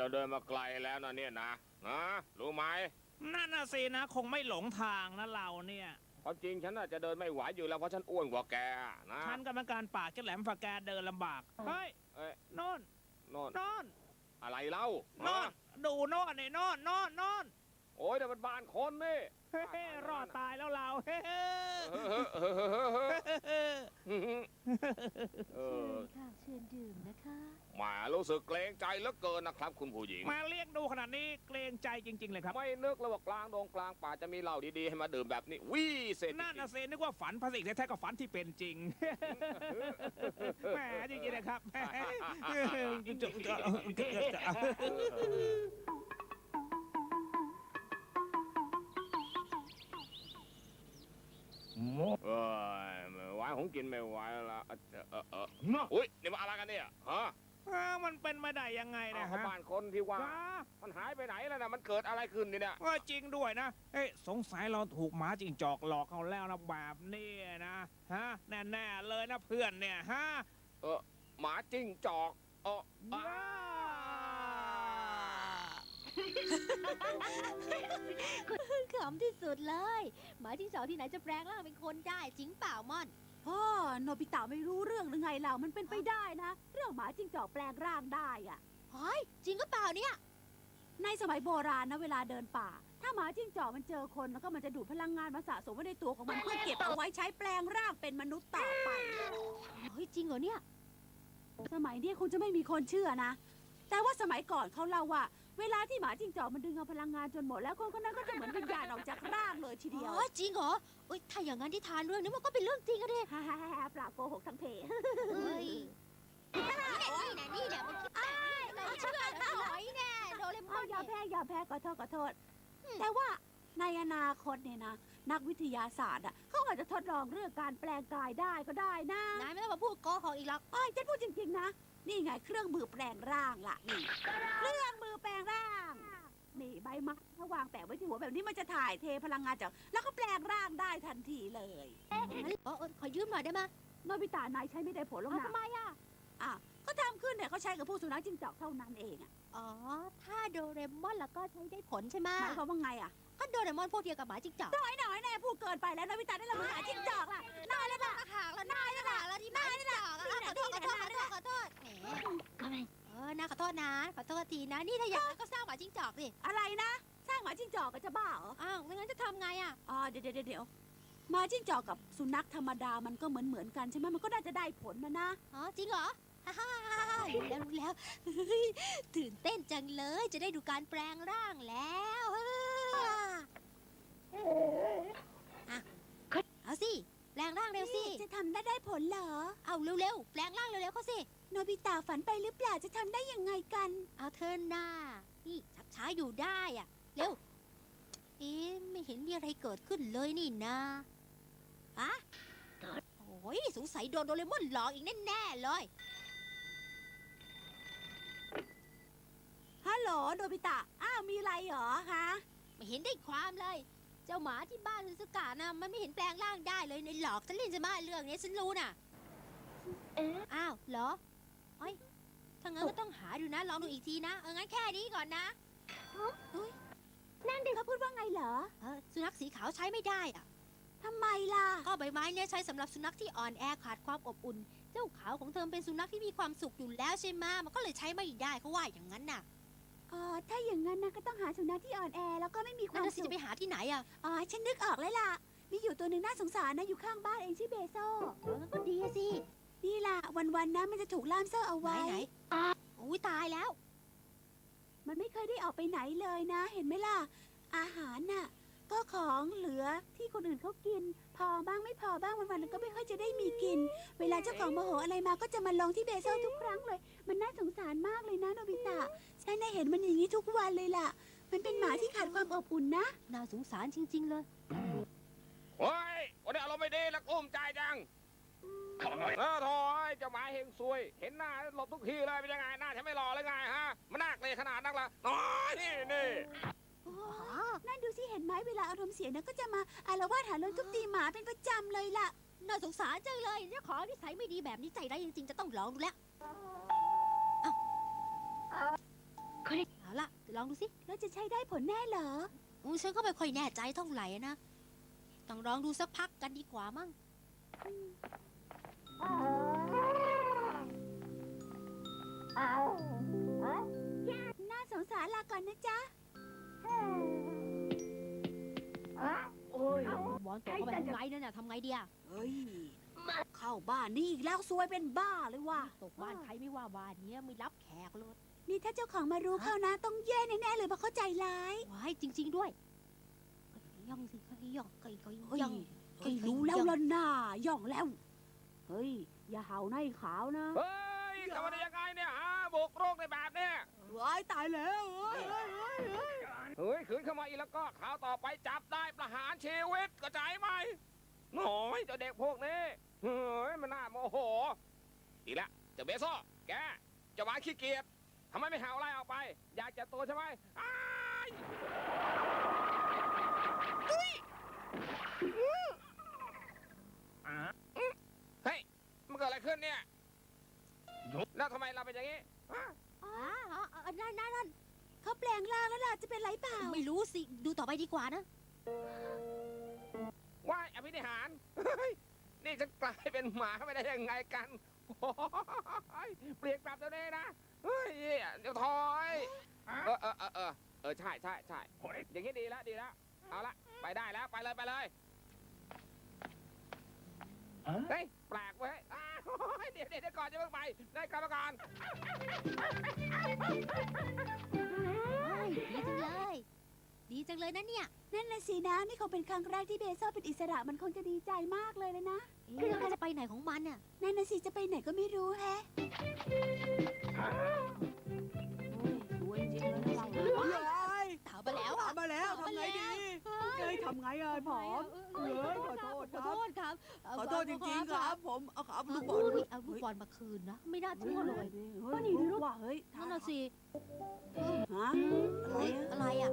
เราเดินมาไกลแล้วนะเนี่ยนะรู้ไหมนั่นน่ะสินะคงไม่หลงทางนะเราเนี่ยความจริงฉันน่าจะเดินไม่ไหวอยู่แล้วเพราะฉันอ้วนกว่าแกนะฉันกรรมการป่าแกแหลมฝากแกเดินลำบากเฮ้ยเอ้ยโน่นโน่นโน่นอะไรเล่าโน่นดูโน่นนี่โน่นโน่นโน่นโอ้ยแต่มันบ้านคนนี่เฮ้รอดตายแล้วเราเฮ้เออค่ะเชิญดื่มนะคะแหมารู้สึกเกรงใจเหลือเกินนะครับคุณผู้หญิงมาเรียกดูขนาดนี้เกรงใจจริง ๆ เลยครับไม่นึกเลยว่ากลางดงกลางป่าจะมีเหล้าดีๆให้มาดื่มแบบนี้วิเศษจริงๆนั่นน่ะสินึกว่าฝันภาษีแท้ๆก็ฝันที่เป็นจริงแหมจริงๆนะครับแหมเอ้ยไม่ไหวผมกินไม่ไหวแล้วอุ้ยนี่มาอะไรกันเนี่ยฮะมันเป็นมาได้ยังไงนะเขาฮะบ้านคนที่ว่าว้ามันหายไปไหนแล้วนะมันเกิดอะไรขึ้นเนี่ยจริงด้วยนะเอ้ยสงสัยเราถูกหมาจิงจอกหลอกเขาแล้วนะแบบนี้นะฮะแน่ๆเลยนะเพื่อนเนี่ยฮะหมาจิ้งจอกขำที่สุดเลย หมาที่สองที่ไหนจะแปลงร่างเป็นคนได้จริงเปล่าม่อนพ่อโนบิตะไม่รู้เรื่องหรือไงเรามันเป็นไปได้นะ เรื่องหมาจิ้งจอกแปลงร่างได้อะเฮ้ยจริงก็เปล่าเนี่ยในสมัยโบราณนะเวลาเดินป่า ถ้าหมาจิ้งจอกมันเจอคนแล้วก็มันจะดูดพลังงานมาสะสมไว้ในตัวของมันเพื่อเก็บเอาไว้ใช้แปลงร่างเป็นมนุษย์ต่อไปเฮ้ยจริงเหรอเนี่ยสมัยนี้คงจะไม่มีคนเชื่อนะ แต่ว่าสมัยก่อนเขาเล่าว่า เวลาที่หมาจิ้งจอกมันดึงเอาพลังงานจนหมดแล้วคนคนนั้นก็จะเหมือนวิญญาณออกจากร่างเลยทีเดียวอ๋อจริงเหรอเอ้ยถ้าอย่างนั้นที่ทานเรื่องนี้มันก็เป็นเรื่องจริงอะดิฮ่าฮ่าฮ่าปราบโกหกทั้งเพเฮ้ยนี่แหละมันคิดแบบนี้เราเชื่อแล้วหน่อยแน่โดเรมอนอย่าแพ้อย่าแพ้ขอโทษ แต่ว่าในอนาคตเนี่ยนะ นักวิทยาศาสตร์อ่ะเขาอาจจะทดลองเรื่องการแปลงกายได้ก็ได้นะนายไม่ต้องมาพูดโกหกอีกหรอกอ้อยฉันพูดจริงๆนะ นี่ไงเครื่องมือแปลงร่างล่ะนี่เครื่องมือแปลงร่างนี่ใบไม้ถ้าวางแปะไว้ที่หัวแบบนี้มันจะถ่ายเทพลังงานจากแล้วก็แปลงร่างได้ทันทีเลยขอยืมหน่อยได้ไหมโนบิตะนายใช้ไม่ได้ผลหรอกนะทำไมอ่ะอ่ะก็ทำขึ้นเนี่ยเขาใช้กับพวกสุนัขจิ้งจอกเท่านั้นเองอ่ะอ๋อ ถ้าโดเรมอนแล้วก็ใช้ได้ผลใช่ไหมหมายความว่าไงอ่ะก็โดเรมอนพวกเดียวกับหมาจิ้งจอกน้อยแน่พูดเกินไปแล้วโนบิตะได้ละมือหาจิ้งจอกล่ะนายเลยล่ะหางแล้วนายหางแล้วที่หมาจิ้งจอกขอโทษแหมน่าขอโทษนะขอโทษทีนะ นี่ถ้าอย่างนั้นก็สร้างหมาจิ้งจอกสิอะไรนะสร้างหมาจิ้งจอกก็จะบ้าเหรออ้าวงั้นจะทำไงอ่ะอ๋อเดี๋ยวหมาจิ้งจอกกับสุนัขธรรมดามันก็เหมือนกันใช่ไหมมันก็น่าจะได้ผลนะอ๋อจริงเหรอรู้แล้วตื่นเต้นจังเลยจะได้ดูการแปลงร่างแล้วเอาสิแปลงร่างเร็วสิจะทำได้ผลเหรอเอาเร็วๆแปลงร่างเร็วๆเขาสิโนบิตะฝันไปหรือเปล่าจะทำได้ยังไงกันเอาเธอหน้านี่ชักช้าอยู่ได้อ่ะเร็วไม่เห็นมีอะไรเกิดขึ้นเลยนี่นะอะโอ้ยสงสัยโดนโดเรมอนหลอกอีกแน่ๆเลยฮัลโหลโนบิตะอ้าวมีอะไรเหรอฮะไม่เห็นได้ความเลย เจ้าหมาที่บ้านซูซูกะนะมันไม่เห็นแปลงร่างได้เลยในหลอกฉันเล่นจะมาเรื่องนี้ฉันรู้น่ะอ้าวเหรอเอ้ยถ้างั้นก็ต้องหาดูนะลองดูอีกทีนะงั้นแค่นี้ก่อนนะนั่นเด็กเขาพูดว่าไงเหรอสุนัขสีขาวใช้ไม่ได้อะทำไมล่ะก็ใบไม้เนี่ยใช้สำหรับสุนัขที่อ่อนแอขาดความอบอุ่น เจ้าขาวของเธอเป็นสุนัขที่มีความสุขอยู่แล้วใช่ไหมมันก็เลยใช้ไม่ได้เขาว่าอย่างนั้นน่ะอ๋อถ้าอย่างนั้นนะก็ต้องหาสุนัขที่อ่อนแอแล้วก็ไม่มีควานั่มนนะสิสุขจะไปหาที่ไหนอ่ะอ๋อฉันนึกออกแล้วล่ะมีอยู่ตัวหนึ่งน่าสงสารนะอยู่ข้างบ้านเองชื่อเบโซงั้นก็ดีสินี่ล่ะวันๆนะมันจะถูกล่ามโซ่เอาไหนไว้ไหนอุ้ยตายแล้วมันไม่เคยได้ออกไปไหนเลยนะ เห็นไหมล่ะ อาหารน่ะ ก็ของเหลือที่คนอื่นเขากิน พอบ้างไม่พอบ้างวันๆมันก็ไม่ค่อยจะได้มีกิน เวลาเจ้าของโมโหอะไรมาก็จะมาลงที่เบโซทุกครั้งเลย มันน่าสงสารมากเลยนะโนบิตะฉันได้เห็นมันอย่างนี้ทุกวันเลยล่ะ มันเป็นหมาที่ขาดความอบอุ่นนะน่าสงสารจริง ๆ เลยเฮ้ยวันนี้อารมณ์ไม่ดีแล้วกุ้มใจจังโถ่เจ้าหมาเฮงซวย เห็นหน้าหลบทุกทีเลยเป็นยังไงหน้าฉันไม่หล่อเลยไงฮะมันน่าเกลียดขนาดนั้นละน้อยนี่โอ้นั่นดูสิเห็นไหมเวลาอารมณ์เสียนะก็จะมาอารวาสหาเรื่องทุบตีหมาเป็นประจำเลยล่ะน่าสงสารจังเลยเจ้าของนิสัยไม่ดีแบบนี้ใจได้ายจริงๆจะต้องลองดูแล้วเอาล่ะลองดูสิแล้วจะใช้ได้ผลแน่เหรอฉันก็ไม่ค่อยแน่ใจเท่าไหร่นะ ต้องลองดูสักพักกันดีกว่ามั้งน่าสงสารลาก่อนนะจ๊ะบอลตกเข้าไปทำไงเนี่ยทำไงดีอะเฮ้ย เข้าบ้านนี่อีกแล้วซวยเป็นบ้าเลยว่ะตกบ้านใครไม่ว่าบ้านเนี้ยไม่รับแขกเลยนี่ถ้าเจ้าของมารู้เข้านะ ต้องแย่แน่ๆเลยเพราะเข้าใจร้ายว้ายจริง ๆด้วยย่องสิค่อยๆย่องค่อยเฮ้ยๆย่องเฮ้ยรู้แล้วล่ะน่าย่องแล้ว เฮ้ย อย่าเห่าในขาวนะเฮ้ยทำอะไรยังไงเนี่ยฮะบุกโรคในแบบเนี้ยว้ายตายแล้วเฮ้ยเฮ้ยขืนเข้ามาอีกแล้วก็ข่าวต่อไปจับได้ประหารชีวิตเข้าใจไหมหน่อยเจ้าเด็กพวกนี้เฮ้ยมันน่าโมโหอีกแล้วเจ้าเบโซ่แกเจ้าหมาขี้เกียจทำไมไม่หาอะไรออกไป อยากจะตัวใช่ไหมอ้ายเฮ้ยมันเกิดอะไรขึ้นเนี่ยแล้วทำไมเราเป็นอย่างนี้อ๋อนั่นเขาแปลงร่างแล้วล่ะ จะเป็นไรเปล่าไม่รู้สิ ดูต่อไปดีกว่านะว่ายอภินิหารเฮ้ยนี่จะกลายเป็นหมาไม่ได้ยังไงกันโอ้ยเปลี่ยนกลับเดี๋ยวนี้นะเฮ้ยเดี๋ยวถอยใช่อย่างนี้ดีแล้วเอาละไปได้แล้วไปเลยเฮ้ยแปลกเว้ยเดี๋ยวก่อนจะเพิ่งไปได้กรรมการดีจังเลยนะเนี่ยนั่นน่ะสินะ นี่คงเป็นครั้งแรกที่เบโซเป็นอิสระมันคงจะดีใจมากเลยนะแล้วมันจะไปไหนของมันน่ะนั่นน่ะสิจะไปไหนก็ไม่รู้แฮะสวยจริงเลยนะเราถามมาแล้วอะมาแล้วทำไงดีเฮ้ยทำไงอ่ะผอมเฮ้ยขอโทษขอโทษครับขอโทษจริงๆครับ ผมเอาขาลูกบอลเอาลูกบอลมาคืนนะ ไม่น่าเชื่อเลยเฮ้ยนี่รู้ว่าเฮ้ยนั่นน่ะสิฮะอะไรอะไรอ่ะ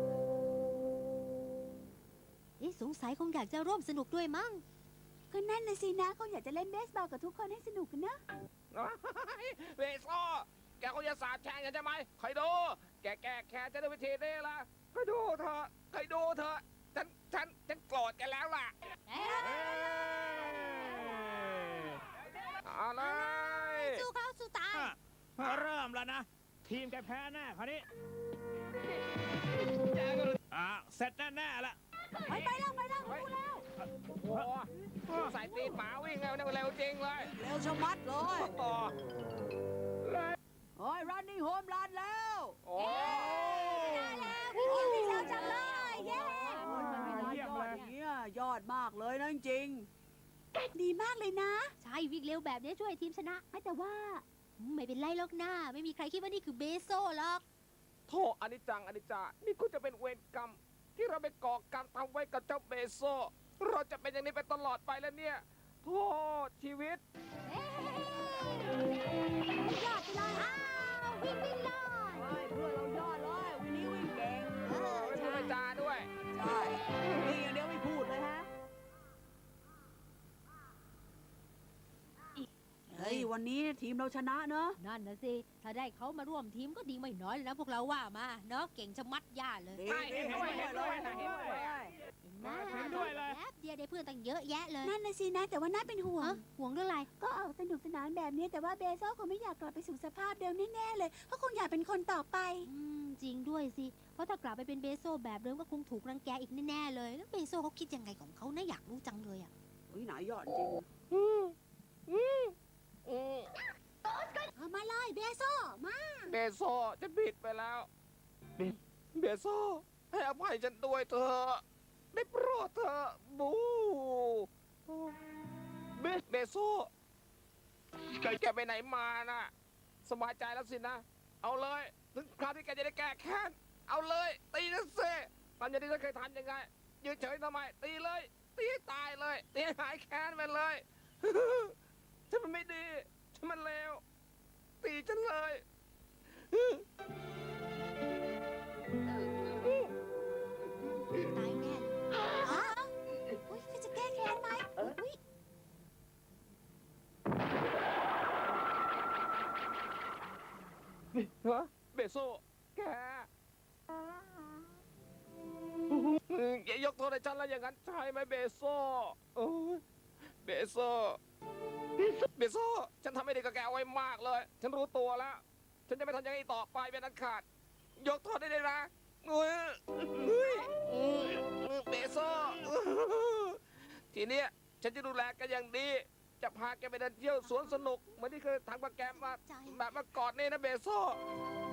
สงสัยคงอยากจะร่วมสนุกด้วยมั้งก็นั่นน่ะสินะเขาอยากจะเล่นเบสบอลกับทุกคนให้สนุกกันนะเบโซ่แกคงจะสาบแช่งกันใช่ไหมคอยดูแกแก้แค้นจะด้วยวิธีนี้ละคอยดูเถอะฉันโกรธแกแล้วล่ะเอาเลยสู้เขาสู้ตายเริ่มแล้วนะ ทีมแกแพ้แน่คราวนี้เสร็จแน่ๆละไปแล้วโอ้โหใส่ตีนหมาวิ่งเร็วจริงเลยเร็วชะมัดเลยโอ้โอ้ยรันนี่โฮมรันแล้วโอ้วิ่งเร็วจังเลยเย้เยี่ยมเลยยอดมากเลยนะจริงดีมากเลยนะใช่วิ่งเร็วแบบนี้ช่วยทีมชนะแต่ว่าไม่เป็นไรหรอกนะไม่มีใครคิดว่านี่คือเบโซ่หรอกโธ่อนิจจังอนิจจานี่คุณจะเป็นเวรกรรม ที่เราไปก่อกรรมทำไว้กับเจ้าเบโซเราจะเป็นอย่างนี้ไปตลอดไปแล้วเนี่ยโทษชีวิตยอดไปเลยอ้าววิ่งเลยเพื่อนเรายอดเลยวันนี้วิ่งเก่งไม่พูดไม่จาด้วยใช่วิ่งอย่างเดียวไม่พูดเลยฮะเฮ้ยวันนี้ทีมเราชนะเนอะนั่นนะสิถ้าได้เขามาร่วมทีมก็ดีไม่น้อยเลยนะพวกเราว่ามาเนาะเก่งชะมัดย่าเลยใช่เห็นด้วยเห็นไหมเห็นด้วยเลยแป๊บเดียวได้เพื่อนตั้งเยอะแยะเลยนั่นนะสินะแต่ว่าน่าเป็นห่วงห่วงเรื่องอะไรก็ออกสนุกสนานแบบนี้แต่ว่าเบโซคงไม่อยากกลับไปสู่สภาพเดิมแน่ๆเลยเพราะคงอยากเป็นคนต่อไปจริงด้วยสิ เพราะถ้ากลับไปเป็นเบโซแบบเดิมก็คงถูกรังแกอีกแน่ๆเลย แล้วเบโซเขาคิดยังไงของเขานะอยากรู้จังเลยอ่ะเฮ้ยไหนยอดจริงเอามาเลยเบโซมาเบโซจะผิดไปแล้วเบโซให้อภัยฉันด้วยเถอะได้โปรดเถอะบูเบโซแกไปไหนมาน่ะสบายใจแล้วสินะ เอาเลยถึงคราวที่แกจะได้แก้แค้นเอาเลยตีนะเซ่ตอนอย่างที่ฉันเคยทำยังไงยืนเฉยทำไมตีเลยตีให้ตายเลยตีให้หายแค้นไปเลย ฉันมันไม่ดีฉันมันเลวตีฉันเลยตายแน่อ้าวอุ้ยก็จะแก้แค้นไหมอุ้ยฮะเบโซแกอย่ายกโทษให้ฉันแล้วอย่างนั้นใช่ไหมเบโซ่โอ้ยเบโซ่เบโซ่ฉันทำไม่ดีกับแกเอาไว้มากเลย ฉันรู้ตัวแล้ว ฉันจะไม่ทำอย่างนี้ต่อไปเป็นอันขาด ยกโทษได้เลยนะเฮ้ยเบโซ่ทีเนี้ยฉันจะดูแลแกอย่างดี จะพาแกไปเดินเที่ยวสวนสนุกเหมือนที่เคยทำกับแกมาใจแบบเมื่อก่อนนี่นะเบโซ่